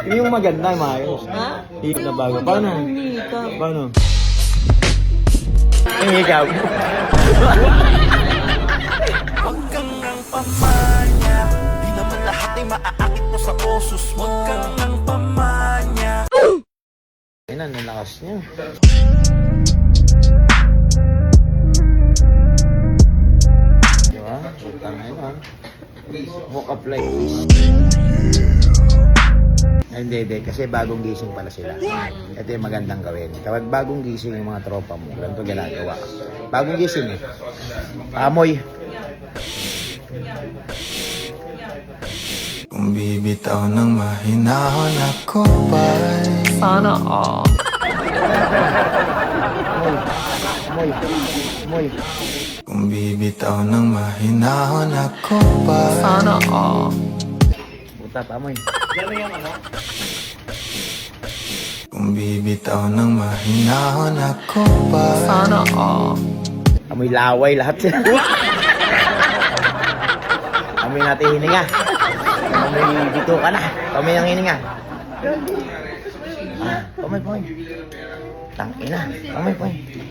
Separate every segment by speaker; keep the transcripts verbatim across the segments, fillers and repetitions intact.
Speaker 1: Yung maganda, maayos.
Speaker 2: Ha?
Speaker 1: Hikap na bago. Paano?
Speaker 2: Hikap.
Speaker 1: Paano? Yung hikap.
Speaker 3: Huwag kang nang pamanya, di naman lahat ay maaakit mo sa osos mo. Huwag kang nang pamanya.
Speaker 1: Ayun na, nalakas niya. Diba? Utang na yun. Walk up like this. Ay, hindi, hindi. Kasi bagong gising pala sila. Ito yung magandang gawin. Kapag bagong gising yung mga tropa mo, ganito ginagawa. Bagong gising eh. Amoy.
Speaker 3: Kung bibitaw ng mahinahon ako ba'y
Speaker 2: Sana all.
Speaker 1: Amoy. Amoy. Amoy.
Speaker 3: Kung bibitaw ng mahinahon ako ba'y
Speaker 2: Sana all.
Speaker 1: Butat, amoy.
Speaker 3: Kung bibitaw ng mahinahon ako ba'y
Speaker 2: Sana all.
Speaker 1: Amoy laway lahat sila. Amoy natin hininga. Amoy dito ka na. Amoy ang hininga. Ah, amoy, amoy. Tangina. Amoy, amoy.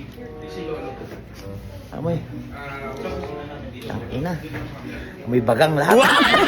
Speaker 1: Amoy. Tangina. Amoy bagang lahat.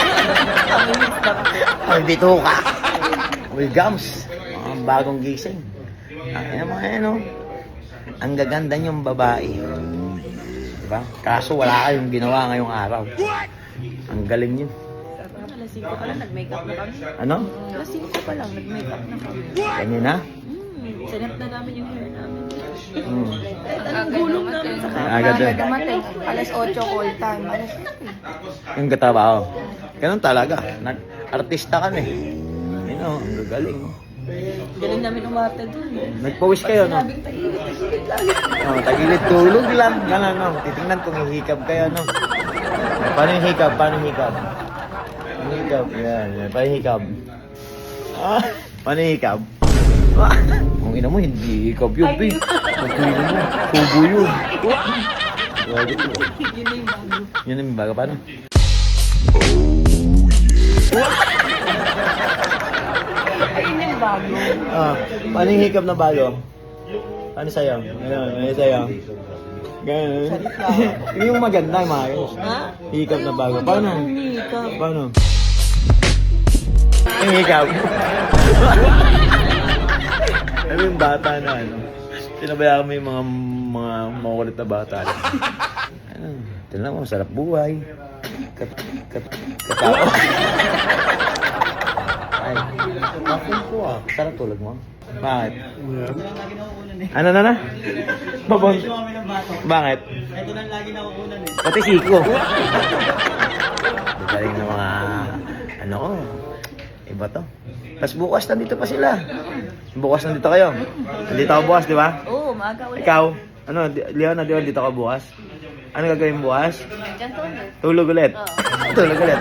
Speaker 1: Amoy dito ka. Amoy gums. Mga bagong gising. Tangina mo yan, no? Ang gaganda niyong babae. Diba? Kaso wala kayong ginawa ngayong araw. Ang galing yun.
Speaker 2: Alas singko pa lang, nag-makeup na kami.
Speaker 1: Ano?
Speaker 2: Alas singko pa lang, nag-makeup na kami.
Speaker 1: Ganyan na?
Speaker 2: Hmm, sinap na namin yung hair namin.
Speaker 1: Hmm.
Speaker 2: Anong gulong namin sa kama?
Speaker 1: Agad eh.
Speaker 4: Dumating, alas otso call time. Alas
Speaker 1: Yung katabaho. Ganun talaga. Nag-artista kami. Yun o, ang gagaling.
Speaker 2: Galing namin umarte dun.
Speaker 1: Nagpawis kayo, no?
Speaker 2: Sabing tagilid-tagilid lagi.
Speaker 1: Oh, tagilid tulog lang. Ganun, no? Titingnan kung hihikab kayo, no? Paano yung hikab? Paano yung hikab? Paano yung hikab? Yan, yan. Paano yung hikab? Ah, paano yung hikab? Ah, kung ina mo, hindi hikab yun, Pi. Kung ina mo, tubo yun. Grabe yun.
Speaker 2: Yun na yung bago.
Speaker 1: Yun na yung baga. Paano?
Speaker 2: Ayun yung bago.
Speaker 1: Ah, paano yung hikab na bago? Paano sa'yo? Ganun, ano sa'yo? Ganun. Yung maganda, maayos.
Speaker 2: Ha?
Speaker 1: Hikab na bago. Paano?
Speaker 2: Hikap.
Speaker 1: Paano? Yung hikab. Ano yung bata na ano? Pinabayaan mo yung mga mga makulit na bata. Ano? Tignan mo, sarap buhay. Kat, kat, katao. Ay, bakit ko ah. Sarap tulog mo. Bakit? Ano na na? Babon. Bakit? Ito lang lagi nakukunan eh. Pati siko. Galing ng mga ano ko. Iba to. Tapos bukas nandito pa sila. Bukas nandito kayo. Nandito ako bukas, di ba?
Speaker 2: Oo, maaga ulit.
Speaker 1: Ikaw? Ano, Di- Leon, di ba dito ka bukas? Ano gagawin bukas?
Speaker 2: Diyan tulog.
Speaker 1: Tulog ulit.
Speaker 2: Oo.
Speaker 1: Tulog ulit.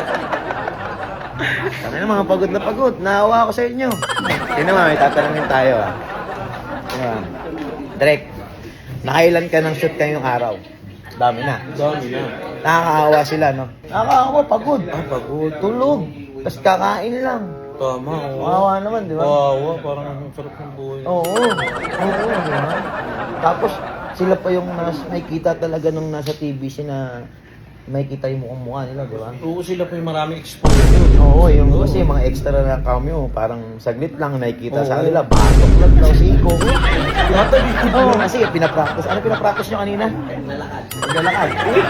Speaker 1: Ano na mga pagod na pagod. Naawa ako sa inyo. Tingnan mo, may tatanungin tayo ah. Ayan. Direk, nakailan ka ng shoot kayong araw? Dami na.
Speaker 5: Dami na.
Speaker 1: Nakakaawa sila, no? Nakakaawa, pagod. Ah, pagod. Tulog. Tapos kakain lang.
Speaker 5: Tama, oo.
Speaker 1: Kawawa naman, di ba?
Speaker 5: Kawawa, parang ang sarap ng buhay.
Speaker 1: Oo. Oo, di ba? Tapos, sila pa yung nas, nakikita talaga nung nasa T V si na makikita yung mukhang mukha nila, di ba?
Speaker 5: Oo, sila pa yung maraming exposure.
Speaker 1: Oo, yung kasi mga extra na cameo, parang saglit lang nakikita sa
Speaker 5: Oo.
Speaker 1: kanila. Batok lang daw si Iko. Oo, kasi pinapractice. Ano pinapractice nyo kanina? Naglalakad. Naglalakad.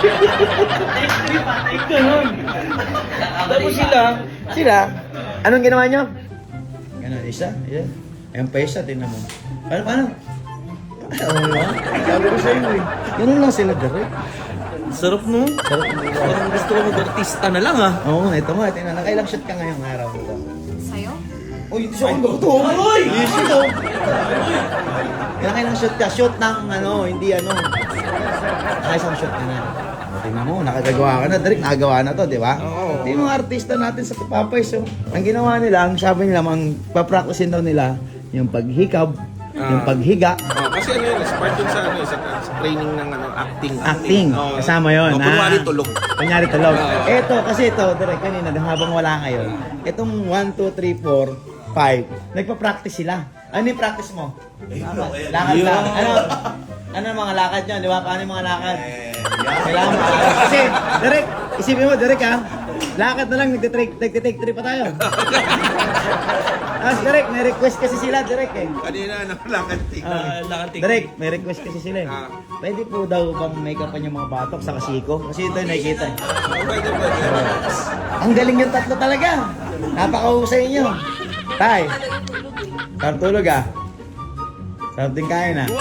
Speaker 5: Ganun. Tapos sila,
Speaker 1: Sila, anong ginawa nyo? Ganun, isa, isa. Ayun pa isa, tingnan mo. Paano, paano? Ano mo? Sabi ko sa'yo eh. Ganun lang sila direct.
Speaker 5: sarap no?
Speaker 1: Sarap mo.
Speaker 5: Parang gusto ko mag-artista na lang ah.
Speaker 1: Oo, ito mo. Tingnan, nakailang shot ka ngayong araw ito.
Speaker 4: sa'yo?
Speaker 1: Uy, shot ko to. Uy! Shot ko. Nakailang shot ka? Shot ng ano, hindi ano. Nakaisang shot ka na. O, tingnan mo, nakagagawa ka na. Direct, nakagawa na to, di ba?
Speaker 5: Oo.
Speaker 1: Yung mga artista natin sa Papay, so, ang ginawa nila, ang sabi nila, ang papracticein daw nila, yung paghikab, yung
Speaker 5: Ah.
Speaker 1: paghiga,
Speaker 5: Oh, kasi ano yun, is part yun sa, ano, sa, sa training ng ano, acting.
Speaker 1: acting.
Speaker 5: Oh.
Speaker 1: Kasama yun.
Speaker 5: Oh,
Speaker 1: ah.
Speaker 5: kunwari tulog.
Speaker 1: Kunyari tulog.
Speaker 5: Oo.
Speaker 1: Eto, kasi ito, direct kanina, habang wala kayo, itong one, two, three, four, Five. Nagpa-practice sila. Ano yung practice mo? Lakad lang. Ano? Ano ang mga lakad nyo? Di ba? Paano yung mga lakad? Kailangan maalas. Kasi, direct, isipin mo, direct ha? Lakad na lang, nagtitake, nagtitake three pa tayo. Tapos direct, may request kasi sila, direct eh.
Speaker 5: Kanina, ano, lakad tingnan.
Speaker 1: Direct, may request kasi sila eh.
Speaker 5: Ah.
Speaker 1: Pwede po daw bang make-upan yung mga batok sa kasiko? Kasi ito yung nakikita eh.
Speaker 5: Pwede, pwede.
Speaker 1: Ang galing yung tatlo talaga. Napakahusay nyo. Tay, sarap tulog ah. Sarap din kain ah.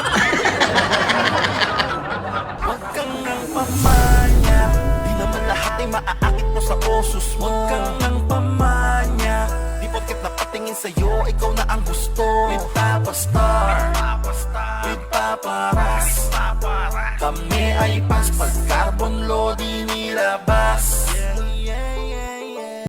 Speaker 3: Huwag kang nang pamanya, di naman lahat ay maaakit mo sa osos mo. Huwag kang nang pamanya, di porket napatingin sa'yo, ikaw na ang gusto. With Papa Star, with Papa Ras, kami ay pas pag carbon load inilabas.